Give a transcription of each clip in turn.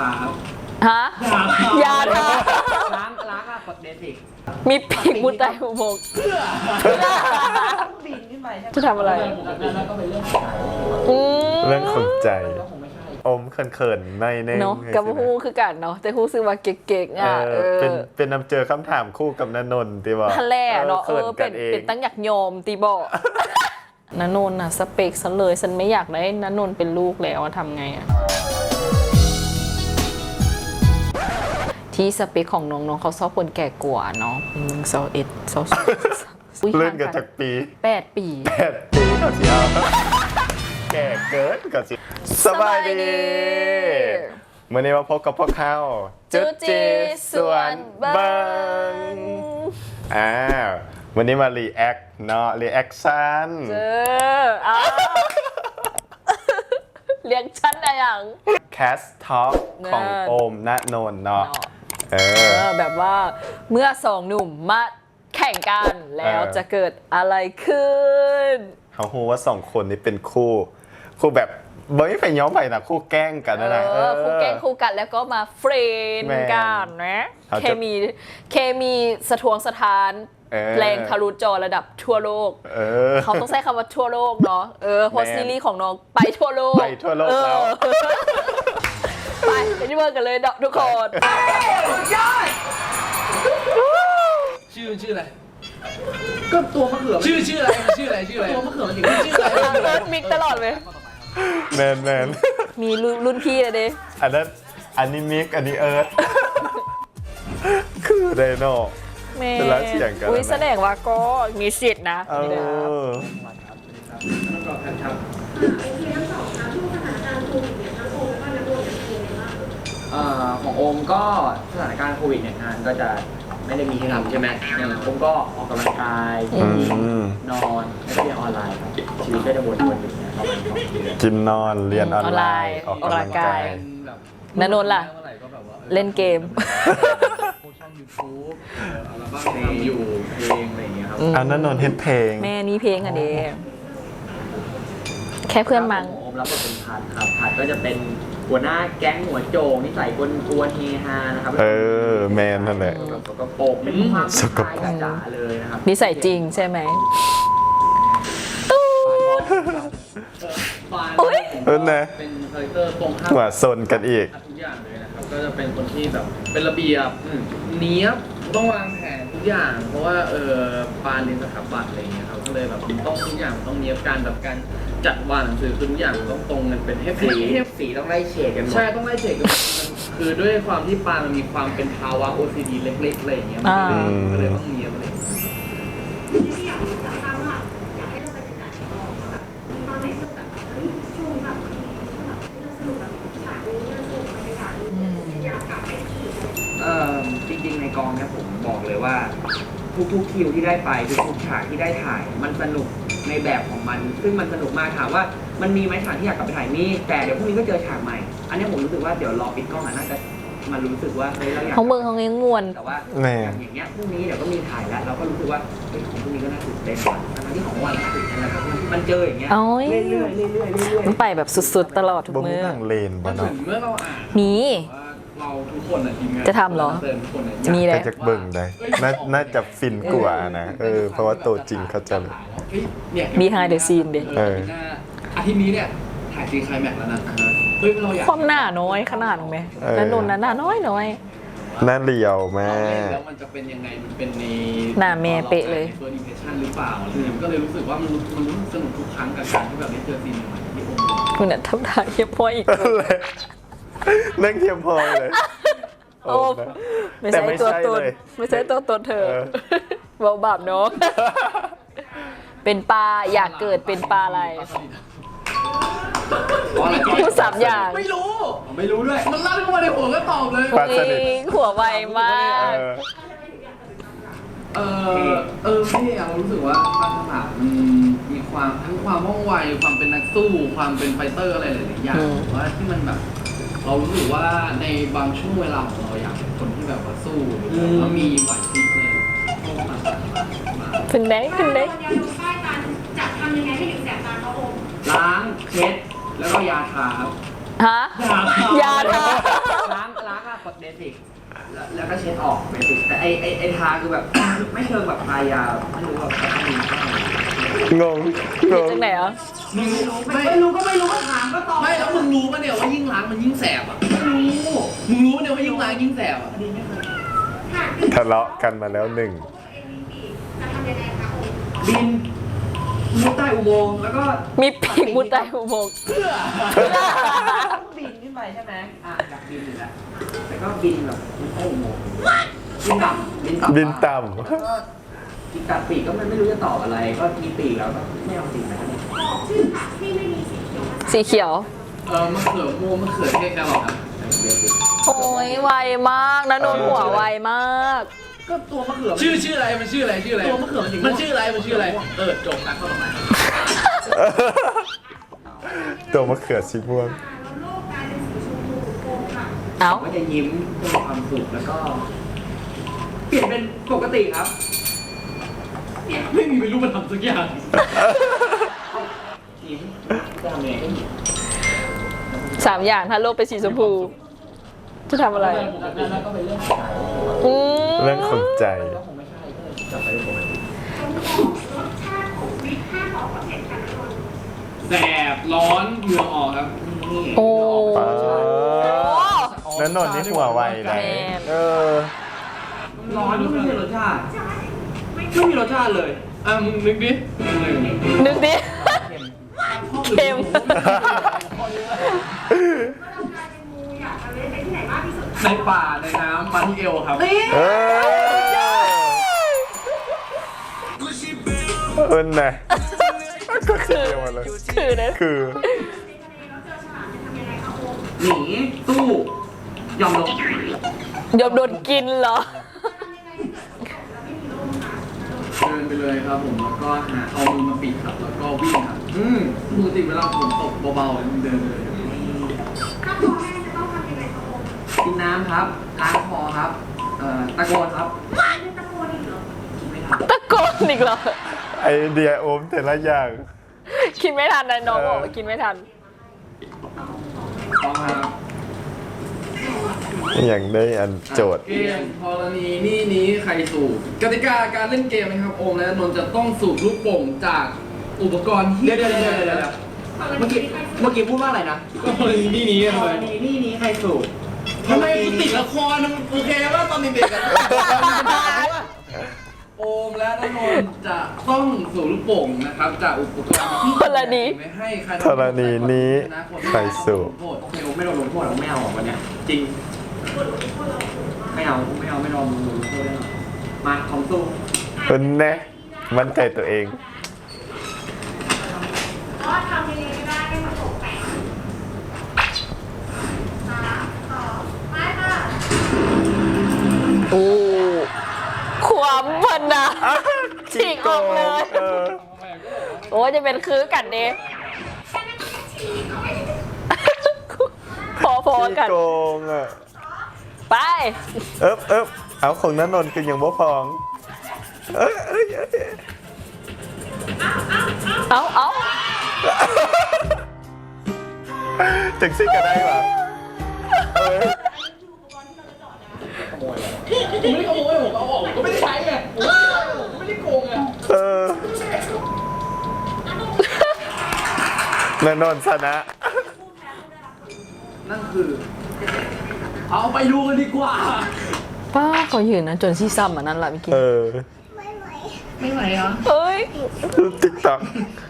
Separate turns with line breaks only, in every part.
าครับ
ฮะยาทา
ล้างอะกดเบสิก
มีปีกมุดใต้อุโมงค์
บินขึ้นไปใช่ไหม
จะทำอะไร
แล้วก็เป็นเรื่องของ
เรื่องของใจ
ก็คงไม่ใช่
อมเขินๆในเน่ง
เนาะกับฮู้คือกันเนาะแต่ฮู้ซื้อว่าเก๊กๆอ่ะ
เป็นนำเจอคำถามคู่กับณนนท์ที่บอก
ทะเลเนาะ
ขินกั
เป็นตั้งอยากโยมตีบอกณนนท์น่ะสเปคซะเลยฉันไม่อยากได้ณนนท์เป็นลูกแล้วทำไงอ่ะที่สเปคของน้องๆเขาชอบคนแก่กว่าเนาะ21
เล่นกันจากปี
8 ปี
8 ปีก็สิเอาแก่เกินก็สิสบายดีเมื่อนี้มาพบกับพวกเขาจุจีส่วนเบิงวันนี้มารีแอคเนาะรีแอคชั่น
อ้าวเรียกฉันอะไรอย่าง
แคสท็อปของโอมณนนท์เนาะ
แบบว่าเมื่อสองหนุ่มมาแข่งกันแล้วจะเกิดอะไรขึ้น
เขาฮู้ว่า2 คนนี้เป็นคู่แบบไม่ไปย้อมไปนะคู่แกล้งกันนะ
คู่แกล้งคู่กันแล้วก็มาเฟรนด์กันนะเคมีสะทวงสถานแรงทะลุจอระดับทั่วโลกเขาต้องใช้คำว่าทั่วโลกเนาะเพราะซีรีส์ของน้องไปทั่วโลก
แล้ว
ไปที่เบิร์กันเลยทุกคน
ชื่ออะไรก็ตัวมะเขือชื่ออะไรตัวมะเขือมันถึงชื่ออะไร
เอิร์ธมิกตลอดเลย
แมน
มีรุ่นพี่เลยดิ
อันนี้มิกอันนี้เอิร์ธคือไดโน่เป็นรักเสียงกัน
อุ้ยแสดงว่าก็มีสิทธิ์นะ
ต้องรอครับของโอมก็สถานการณ์โควิดเนี่ยงานก็จะไม่ได้มีให้ทำใช่ไหมโอมก็ออกกำลังกายนอนแล้วก็เรียนออนไลน์ครับชีวิตก็จะวนๆอย่างเงี้ยประมาณ2 เดือน
กินนอนเรียนออนไลน์ออกกำลังกาย
ณนนท์ล่ะเล่นเกม
ช่อง YouTube อัลบั้มเพลงอยู่เพลงอะไรอย่างเงี้ยครับ
ณนนท์เฮ็ดเพลง
แม่นี่เพลงอันนี้แค่เพื่อนมัง
โอมรับบทเป็นพัดครับพัดก็จะเป็นหัวหน้าแก๊งหัวโจงนิสัยกวนเฮฮานะครับ
แมนนั่นแหละ
สกปรกเป็นความสกปรกจ๋าเลยนะครับ
นิสัยจริงใช่ไหม
นะ
เป็นคาแรคเตอร์ตรงข้าม
หัวซนกันอีก
ทุกอย่างเลยนะครับก็จะเป็นคนที่แบบเป็นระเบียบเนี้ยบต้องวางแผนทุกอย่างเพราะว่าปานเรียนสถาปัตย์อะไรเงี้ยครับก็เลยแบบต้องทุกอย่างต้องเนี้ยบการแบบการจัดวางหนังสือคือทุกอย่างต้องตรงกันเป็นเทปสีต้องไล่เฉดกันใช่ต้องไล่เฉดกันคือด้วยความที่ปานมันมีความเป็นภาวะ OCD เล็กๆอะไรอย่างเงี้ยก็เลยต้องเนี้ยบอะไรจริงๆในกองเนี่ยผมบอกเลยว่าทุกคิวที่ได้ไปทุกฉากที่ได้ถ่ายมันสนุกในแบบของมันซึ่งมันสนุกมากถามว่ามันมีไหมฉากที่อยากกลับไปถ่ายมีแต่เดี๋ยวพรุ่งนี้ก็เจอฉากใหม่อันนี้ผมรู้สึกว่าเดี๋ยวรอปิดกล้องน่าจะมันรู้สึกว่าเราอยาก
ของเมืองของเงี้ยงวน
แต่ว่าอย่างเงี้ยพรุ่งนี้เดี๋ยวก็มีถ่ายแล้วเราก็รู้สึกว่าของพรุ่งนี้ก็น่าตื่นเต้นทั้งที่ของวันตื่นเต้นนะครับมันเจออย่างเงี้ยเรื่อยๆ
มันไปแบบสุดๆตลอดทุกมื้อ
เลนบ้าง
เมื่อเราอ่าน
มี
เราทุกคนทีมงาน
จะทำเหรอ
มีเลยจะเบิ่งได้น่าจะฟินกว่านะเพราะว่าตัวจริงเขาจะ
มีไฮเดอร์ซีนเด็
อาทิตย์นี้เนี่ยถ่ายซีไคลแม็กซ์แล้วนะเราอยาก
ความหน้าน้อยขนาดไหมนั่นนนหน้าน้อย
หน้าเรียวแม่
แล้วมันจะเป็นยังไงมันเป็นใน
หน้าแม่เป๊ะเลย
เฟิร์สอิมเพรสชั่นหรือเปล่าก็เลยรู้สึกว่ามันสนุกทุกครั้งกับการที่แบบได้เจอซีนใหม่ๆที่ผม
คุณเนี่ยทำท่าเยี่ยมพออีก
นั่งเทียมพอเลย
โอ้ไม่ใช่ตัวตนไม่ใช่ตัวตนเธอเบาบาปเนาะเป็นปลาอยากเกิดเป็นปลาอะไรพูด3 อย่าง
ไม่รู้ด้วยมันลั่นเข้ามาในหัวก็ตอบเลย
หัวไวมาก
พี่เรารู้สึกว่าปานฉลามมีความทั้งความว่องไวความเป็นนักสู้ความเป็นไฟเตอร์อะไรหลายๆอย่างว่าที่มันแบบเรารู้สึกว่าในบางช่วงเวลาของเราอยากเป็นคนที่แบบว่าสู้แล้วมีไหวพริบเลย
เป็นเด็ก
จะทำยังไงให้ถึงแสบตาเขาอม
ล้างเช็ดแล้วก็ยาทาครับ
ฮะยาทา
ล้างอะกดเบสิกแล้วก็เช็ดออกเบสิกแต่ไอทาคือแบบไม่เชิงแบบทายาไม่รู้แบบจะทำยังไง
งง
จังไหนอ่ะ
มึงไม่รู้ก็ไม่รู้ก็ถามก็ตอบไม่แล้วมึงรู้ปะเนี่ยว่ายิ่งล้างมันยิ่งแสบอ่ะไม่รู้มึงรู้ปะเนี่ยว่ายิ่งล้างยิ่งแสบอ่ะ
ทะเลาะกันมาแล้วหนึ่ง
จะทำยังไงคะโอม
บินมุดใต้อุโมงค์แล้วก็
มีปีกมุดใต้อุโมงค์
เพื่อบินขึ้นไปใช่ไหมอยากบินอยู่แล้วแต่ก็บินแบบมุดใต้อุโมงค์บินต่ำ
บินต่
แล้วก็อีกกัดปีกก็ไม่รู้จะตอบอะไร ก็มีปีกแล้วก็ไม่เอาปีกนะครับ
บอกชื่อผักที่ไม่มีสีเขียวมา
สีเขียว
มะเขือม่วงมะเขือเทศแครอทครับ
โอ้ยไวมากนะนนท์หัวไวมาก
ก็ตัวมะเขือชื่ออะไรมันชื่ออะไรตัวมะเขือมันชื่ออะไรจบนะข้อต่อไป
ำตัวมะเขือสีม่วง
แล้วโลกกลายเป็นสีชมพูโกงค่ะ
เอ้า
ก็จะยิ้มมีความสุขแล้วก็ เปลี่ยนเป็นปกติครับเนี่ยไม่มีเป็นรูปธรรมสักอย่างยิ้มจะทำยังไงก็ยิ้ม
3 อย่างถ้าโลกเป็นสีชมพู จะทำอะไร
แล้วก็เป็นเรื่องขาย
อืม
เรื่องของใจ
ก็คงไม่ใช่ก็เลยกลับไปปกติ
จงบอกรสชาติของวิทห้ามออกความเผ็ดค่ะทุกคน
แสบร้อนเหงื่อออกครับนี่
โอ้
แล้วนนท์นี่หัวไวนะ
แม่น
เออ
ร้อนก็ไม่มีรสชาติไม่มีรสชาติเลยมึงนึกดิ
นึกดิ เค็ม
เมื่อเรากลายเป็นงูอยากมาเล่นไปที่ไหนมากที่สุด
ในป่าในน้ำมาที่เอวครับ
เออน่ะก็คือเดียวมาเลย
คือนะ
คือ
ในทะเลแล้วเจอฉลามจะทำยังไงคะโอม
หนีสู้ยอมลง
ยอมโดนกินเหรอ
ทำยังไงให้เกิดฝนตกแล้วไม่มีลมคะ
เดินไปเลยครับผมแล้วก็หาเอามือมาปิดครับแล้วก็วิ่งครับปกติเวลาฝนตกเบาๆเดินเลย
ถ้าคอแห้งจะต้องทำยังไงคะโอม
กินน้ำครับล้างคอครับตะโกนครับ
ไม่ได้ตะโกนอีกเหรอ
คิดไม่ทัน
ตะโกนอีกเหรอ
ไอเดียโอมแต่ละอย่าง
คิดไม่ทันนะน้องบอกว่าคิดไม่ทัน
ต้องครับ
อย่างได้อันโจทย์
เกมธรณีนี่นี้ใครสูบกติกาการเล่นเกมนะครับโอมและนนท์จะต้องสูบลูกโป่งจากอุปกรณ์ที่เดี๋ยวเมื่อกี้พูดว่าอะไรนะก็ธรณีนี่นี้เลยนี่นี้ใครสูบทำไมกูติดละครมันโอเคว่าตอนเด็กๆอะโอมและนนท์จะต้องสูบลูกโป่งนะครับจากอุปกรณ์ที่
ธรณี
ไม่ให้ใคร
ธรณีนี้ใครสูบ
โอเคโอมไม่โดนลงโทษหรอกไม่เอาหรอกวันเนี้ยจริง ไม่เอาไม่ลองดูโทษได้หรอกมาของสู้
เป็นแน่มั่นใจตัวเอง
ก็ทำยังไงก็ได้ให้มันตกแต่งไปค่ะ
โอ้ความพันนะฉีกออกเลย
เออ
โอ้จะเป็นคือกันเด้พอๆกัน
โกงอ่ะ
ไป
เอ๊บเอาของนันนนท์คือยังบ่พอง เอ้ย
เอา
จังซี่ก็ได้ป่ะเอ้ย
ผมไม่ได้ขโมยผมเอาออกก็ไม่ได้ใช้ไงผมไม่ได้โกงไง
เออนันนนท์ชนะ
นั่นคือ เอาไปดูกันดีกว่า
ป้าเขายืนนะจนซีซัมอันนั้นแหละเมื่อกี้
เออ
ไม่ไหวเหรอ
เอ้ย
ติ๊กต็อก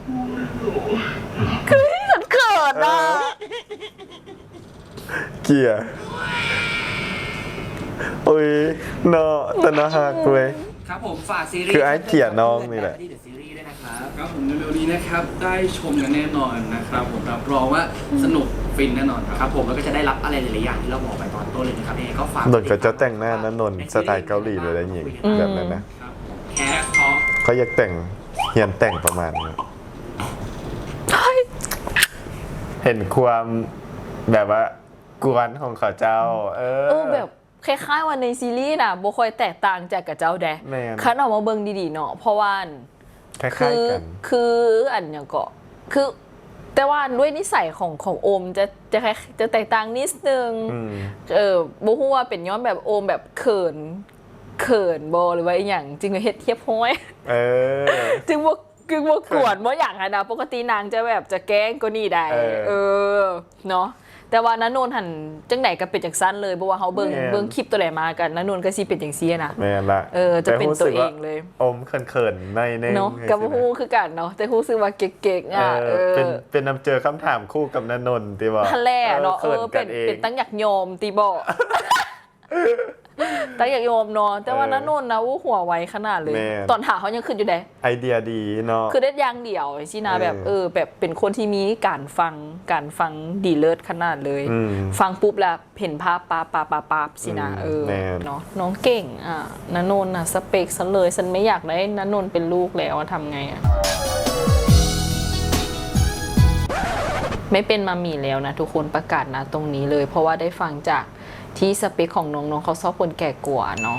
คือฉันเกิดอ่ะ
เกียร์โอ้ยเนาะแต่น่าฮักเลย
ครับผมฝากซีรีส์
คือไอ้เกลียดน้องนี่แหละ
ที่เดอะซีรีส์ด้วยนะครับครับผมเร็วๆนี้นะครับได้ชมกันแน่นอนนะครับผมรับรองว่าสนุกฟินแน่นอนครับ
ครับผมแล้วก็จะได้รับอะไรหลายๆอย่างที่เราบอกไปตอนต้นเลยนะครับยังไงก็ฝาก
นนท์ก็จะแต่งหน้านะนนท์สไตล์เกาหลีเลยนะหญิงแบบนั้นนะ
ครับแคสท็อก
เขาอยากแต่งเฮียนแต่งประมาณนี้เห็นความแบบว่ากวนของเขาเจ้า
แบบคล้ายๆวันในซีรีส์น่ะบ่ค่อยแตกต่างจากกับเจ้าแดะ
แม่น
คันออกมาเบิ่งดีๆเนาะเพราะว่า
คล้าย
คือ
ๆกัน
คืออันอย่างก็คือแแต่ว่าด้วยนิสัยของโอมจะแตกต่างนิดนึงบ่ฮู้ว่าเป็นย้อนแบบโอมแบบเขินบ่หรือว่าอีหยังจริงๆเฮ็ดเทียบห้อยจึงว่ากวนบ่อย่างนั้นนะปกตินางจะแบบจะแกล้งก็นี่ได้เนาะแต่ว่าณนนท์หันจังไหนก็เป็นจังซั่นเลยเพราะว่าเฮาเบิ่งคลิปตัวไหนมากันณนนท์ก็สิเป็นจังซี่นะ
แม่นละ
จะเป็นตัวเองเลย
อมเขินๆใน
เนาะก็บ่ฮู้คือกันเนาะแต่ฮู้สึกว่าเก๊กๆอ่ะ
เป็นนำเจอคำถามคู่กับณนนท์ติบ่
ทะเลเนาะเป็นตั้งอยากโยมติบ่ตั้งอยากโยมเนาะแต่ว่าณนนท์นะหัวไวขนาดเลยตอนถามเขายังขึ้นอยู่ได้
ไอเดียดีเนาะ
คือได้อย่างเดียวสินะแบบแบบเป็นคนที่มีการฟังดีเลิศขนาดเลยฟังปุ๊บแล้วเห็นภาพปั๊บสินะเนาะน้องเก่งณนนท์น่ะสเปคฉันเลยฉันไม่อยากได้ณนนท์เป็นลูกแล้วทำไงไม่เป็นมัมมี่แล้วนะทุกคนประกาศนะตรงนี้เลยเพราะว่าได้ฟังจากที่สเปคของน้องๆเขาชอบคนแก่กว่าเนาะ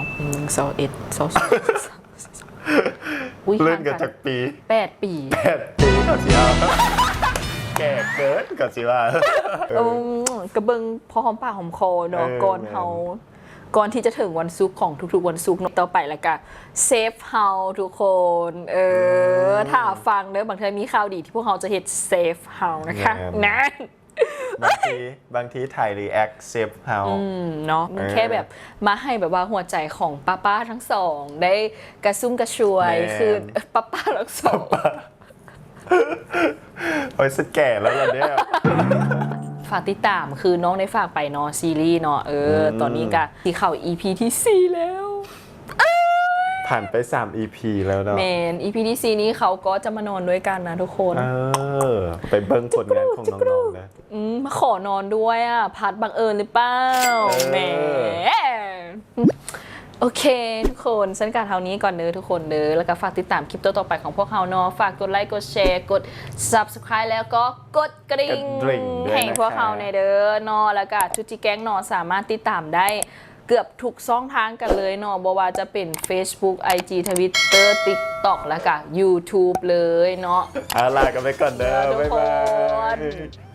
เลื่อนกันจากปี
8 ปี
ก็สิเอาแก่เกินก็สิว่
ากระเบิงพอหอมปากหอมคอเนาะก่อนที่จะถึงวันศุกร์ของทุกๆวันศุกร์ต่อไปแล้วก็เซฟเฮาทุกคนถ้าฟังเนอะบางทีมีข่าวดีที่พวกเขาจะเฮ็ดเซฟเฮานะคะนั่น
บางทีถ่ายรีแอคเซฟเฮา
เนาะแค่แบบมาให้แบบว่าหัวใจของป้าทั้งสองได้กระซุ่มกระชวยคือป้าทั้งสอง
โอ้ยสุดแก่แล้วล่ะเนี่ย
ฝากติดตามคือน้องได้ฝากไปเนาะซีรีส์เนาะตอนนี้ก็ที่เข้า EP ที่4แล้ว
ผ่านไป3 EP แล้วเนาะ
แมน EP ที่4นี้เขาก็จะมานอนด้วยกันนะทุกคน
ไปเบิ่งผลงานของน้องๆนะ
มาขอนอนด้วยพัดบังเอิญหรือเปล่าแหมโอเคทุกคนฉันการเท่านี้ก่อนเด้อทุกคนเด้อแล้วก็ฝากติดตามคลิปต่อไปของพวกเราเนาะฝากกดไลค์กดแชร์กด Subscribe แล้วก็กดกระดิ่งให้พวกเราในเด้อเนาะแล้วก็ชุจิแก๊งเนาะสามารถติดตามได้เกือบทุกช่องทางกันเลยเนาะบ่ว่าจะเป็น Facebook IG Twitter TikTok แล้วก็ YouTube เลยเนาะ
ลากันไปก่อนเด้อบ๊ายบาย